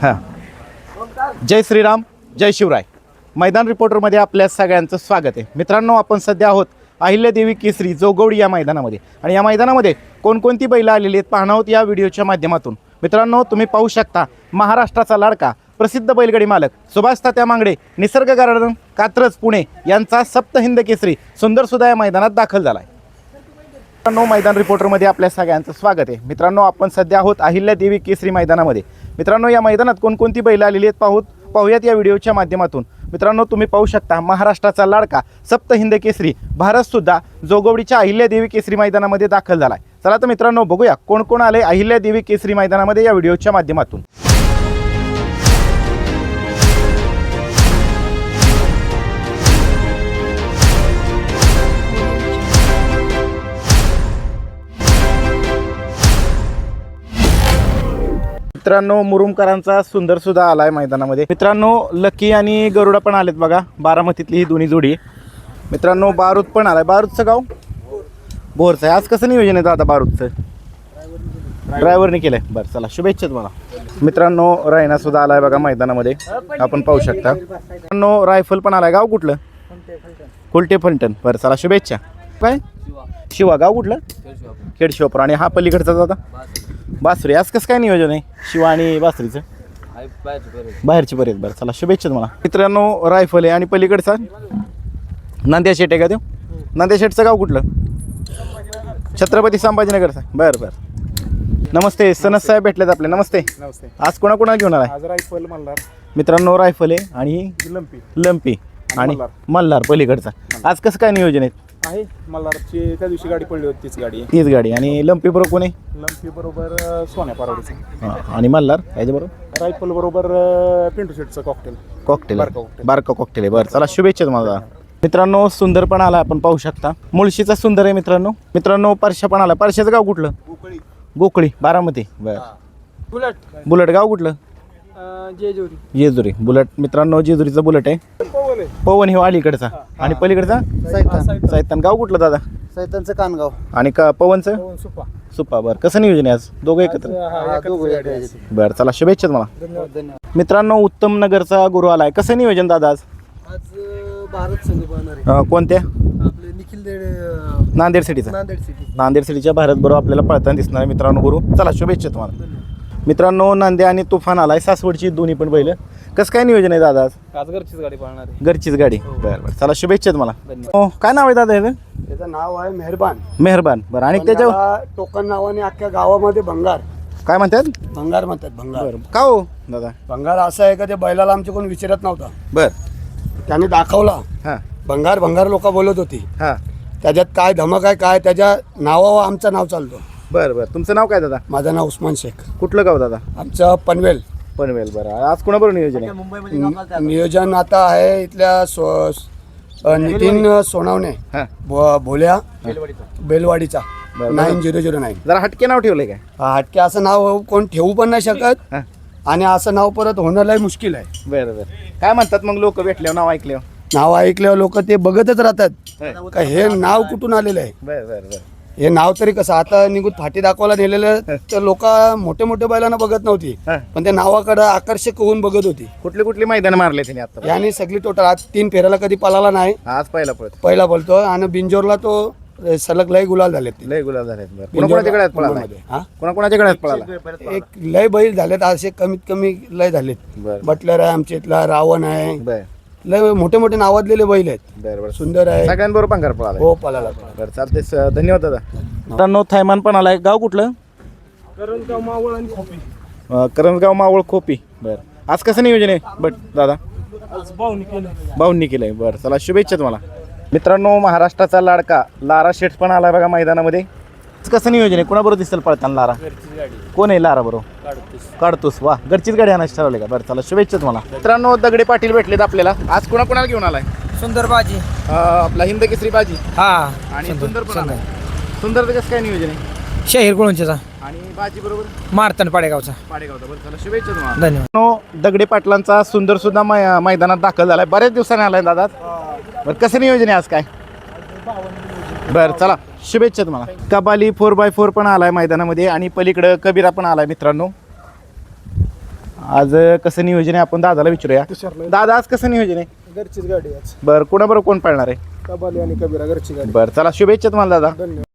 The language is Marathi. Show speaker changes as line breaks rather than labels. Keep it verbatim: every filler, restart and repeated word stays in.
हां, जय श्रीराम, जय शिवराय. मैदान रिपोर्टरमध्ये आपल्या सगळ्यांचं स्वागत आहे. मित्रांनो, आपण सध्या आहोत अहिल्यादेवी केसरी जोगवडी या मैदानामध्ये आणि या मैदानामध्ये कोणकोणती बैलं आलेली आहेत पाहणार आहोत या व्हिडिओच्या माध्यमातून. मित्रांनो, तुम्ही पाहू शकता महाराष्ट्राचा लाडका प्रसिद्ध बैलगाडी मालक सुभाष तात्या मांगडे निसर्ग गार्डन कात्रज पुणे यांचा सप्त हिंद केसरी सुंदर सुद्धा या मैदानात दाखल झाला आहे. मित्रांनो, मैदान रिपोर्टरमध्ये आपल्या सगळ्यांचं स्वागत आहे. मित्रांनो, आपण सध्या आहोत अहिल्यादेवी केसरी मैदानामध्ये. मित्रांनो, या मैदानात कोणकोणती बैलं आलेली आहेत पाहूत पाहूयात या व्हिडिओच्या माध्यमातून. मित्रांनो, तुम्ही पाहू शकता महाराष्ट्राचा लाडका सप्त हिंद केसरी भारतसुद्धा जोगवडीच्या अहिल्यादेवी केसरी मैदानामध्ये दाखल झाला आहे. चला तर मित्रांनो, बघूया कोण कोण आले अहिल्यादेवी केसरी मैदानामध्ये या व्हिडिओच्या माध्यमातून. मित्रांनो, मुरुमकरांचा सुंदर सुद्धा आलाय मैदानामध्ये. मित्रांनो, लकी आणि गरुडा पण आलेत बघा, बारामतीतली ही दोन्ही जोडी. मित्रांनो, बारूद पण आलाय. बारूदचं गाव बोरचं आहे. आज कसं नियोजन आहे दादा बारूदचं? ड्रायव्हरने केलंय. बरं, चला शुभेच्छा तुम्हाला. मित्रांनो, रायना सुद्धा आलाय बघा मैदानामध्ये, आपण पाहू शकता. मित्रांनो, रायफल पण आलाय. गाव कुठलं? कुलटे फलटण. बरं, चला शुभेच्छा. काय शिवा? गाव कुठलं? खेडशिवापूर. आणि हा पलीकडचा दादा बासरी. आज कसं काय नियोजन आहे शिवा आणि बासरीचं? बाहेरची बरेच. बरं, चला शुभेच्छा तुम्हाला. मित्रांनो, रायफल आहे आणि पलीकडचा नांद्या शेट आहे का तो? नांद्या शेटचं गाव कुठलं? छत्रपती संभाजीनगरचा. बरं बरं, नमस्ते. सनस साहेब भेटलेत आपले. नमस्ते.
नमस्ते.
आज कोणाकोणाला घेऊन आलाय?
आज रायफल मल्हार.
मित्रांनो, रायफल आहे आणि
लंपी
लंपी आणि मल्हार पलीकडचा. आज कसं काय नियोजन आहे?
आहे मल्हारची त्या दिवशी गाडी पडली होती तीच गाडी आहे.
तीच गाडी. आणि लंपी बरोबर कोण आहे?
लंपी बरोबर सोन्या पारवडीचं.
हां, आणि मल्हार याच्याबरोबर
रायफल बरोबर पिंटू शेटचं कॉकटेल.
कॉकटेल.
बारका कॉकटेल.
बारका कॉकटेल आहे. बरं, चला शुभेच्छा तुम्हाला. मित्रांनो, सुंदर पण आला, आपण पाहू शकता. मुळशीचा सुंदर आहे मित्रांनो. मित्रांनो, परशा पण आला. परशाचं गाव कुठलं?
गोकळी.
गोकळी बारामती. बरं.
बुलेट.
बुलेट गाव कुठलं?
जेजुरी.
जेजुरी. बुलेट. मित्रांनो, जेजुरीचा बुलेट आहे.
पवन आहे.
पवन हे अलीकडचा आणि पलीकडचा
सैतान.
सैतान. गाव कुठलं दादा?
सैतानचं कानगाव.
आणि का पवनचं?
पवन सुपा.
सुप्पा. बरं, कसं नियोजन आहे आज? दोघं एकत्र. बरं, चला शुभेच्छा तुम्हाला.
धन्यवाद. धन्यवाद.
मित्रांनो, उत्तम नगरचा गुरु आलाय. कसं नियोजन दादा आज?
आज भारत संघ पाहणार आहे.
अं, कोणत्या?
आपले निखिल देड
नांदेड सिटीचा.
नांदेड सिटी.
नांदेड सिटीच्या भारत बरोबर आपल्याला पळताना दिसणार आहे मित्रांनो गुरु. चला शुभेच्छा तुम्हाला. मित्रांनो, नांद्या आणि तुफान आलाय. सासवडची दोन्ही पण बैल. कसं काय नियोजन आहे दादा आज?
आज घरचीच गाडी पाहणार आहे.
घरचीच गाडी. बरं बरं, चला शुभेच्छा तुम्हाला. हो, काय नाव आहे दादा ह्याचं?
त्याचं नाव आहे मेहरबान.
मेहरबान. बरं, आणि त्याच्या
त्याच्या टोकन नावाने अख्ख्या गावामध्ये भंगार
काय म्हणतात?
भंगार म्हणतात. भंगार.
बरं, का हो दादा?
भंगार असं आहे का ते बैलाला आमचे कोण विचारत नव्हता.
बरं.
त्याने दाखवला.
हां
भंगार भंगार लोक बोलत होती.
हां.
त्याच्यात काय धमक आहे काय त्याच्या नावावर आमचं नाव चालतो.
बरं बरं, तुमचं नाव काय दादा?
माझं नाव उस्मान शेख.
कुठलं गाव दादा?
आमचं पनवेल.
पनवेल. बरं, आज कोणाबरोबर नियोजन आहे?
नि- नियोजन आता आहे इथल्या सो अ, नितीन सोनावणे
हां.
भो- भोल्या बेलवाडीचा
बरं.
Nine zero zero nine.
जरा हटके नाव ठेवलंय काय?
हटके असं नाव कोण ठेवू पण नाही शकत
हां.
आणि असं नाव परत होणं लय मुश्किल आहे.
बरं बरं, काय म्हणतात मग लोक भेटल्यावर नाव ऐकल्यावर?
नाव ऐकल्यावर लोक ते बघतच राहतात
होय.
का हे नाव कुठून आलेलं आहे.
बरं बरं बरं.
हे नाव तरी कसं आता निघून फाटी दाखवायला नेलेलं तर लोक मोठे मोठे बैलांना बघत नव्हती
हां.
पण त्या नावाकडे आकर्षक होऊन बघत होती.
कुठले कुठले मैदान मारले त्याने आता?
याने सगळी टोटल आज तीन फेऱ्याला कधी पळाला नाही.
आज पहिला पळत.
पहिला बोलतो आणि बिंजोरला तो सलग लय गुलाल झाले.
लय गुलाब झालेत. बरं, कोणाकोणाच्या गळ्यात पळाला?
हा?
कोणाकोणाच्या गळ्यात पळाला?
एक लय बैल झालेत असे कमीत कमी लय झालेत.
बरं
बटलर आहे आमच्या इथला, रावण आहे,
बरं
लय मोठे मोठे नावाजलेले बैल आहेत.
बरं बरं,
सुंदर आहे.
सगळ्यांबरोबर पंगार पळाला.
हो पळाला.
बरं, चालते. स- धन्यवाद दादा. मित्रांनो, थैमान पण आलाय. गाव कुठलं?
करणगाव मावळ आणि खोपी.
अं, करंजगाव मावळ खोपी. बरं, आज कसं नियोजन आहे बट दादा?
आज भाऊनी केलं.
भाऊंनी केलंय. बरं, चला शुभेच्छा तुम्हाला. मित्रांनो, महाराष्ट्राचा लाडका लारा शेठ पण आलाय बघा मैदानामध्ये. आज कसं नियोजन आहे? कोणाबरोबर दिसेल पळताना लारा?
घरचीच गाडी.
कोण आहे लारा बरोबर?
काढतोस.
काढतोस. वा, घरचीच गाडी आणायची ठरवले का? बरं, चला शुभेच्छा तुम्हाला. मित्रांनो, दगडे पाटील भेटलेत आपल्याला. आज कोणाकोणाला घेऊन आलाय?
सुंदर बाजी.
अं, आपला हिंद केसरी बाजी
हा.
आणि सुंदर पण आलाय. सुंदर कसं काय नियोजन आहे?
शहीर गुळूंचेचा
आणि बाजी बरोबर
मारतन पाडेगावचा.
पाडेगावचा. बरं, चला शुभेच्छा तुम्हाला.
धन्यवाद.
मित्रांनो, दगडे पाटलांचा सुंदर सुद्धा मै- मैदानात दाखल झालाय. बऱ्याच दिवसाने आलाय दादा. बरं, कसं नियोजन आहे आज काय? बरं, चला शुभेच्छा तुम्हाला. कबाली फोर बाय फोर पण आलाय मैदानामध्ये आणि पलीकडं कबीरा पण आलाय मित्रांनो. आज अं, कसं नियोजन आहे आपण दादाला विचारूया. दादा आज कसं नियोजन आहे?
घरचीच गाडी आज
बरं कोणाबरोबर कोण पाळणार आहे?
कबाली आणि कबीरा घरची गाडी.
बरं चला शुभेच्छा तुम्हाला दादा.
धन्यवाद.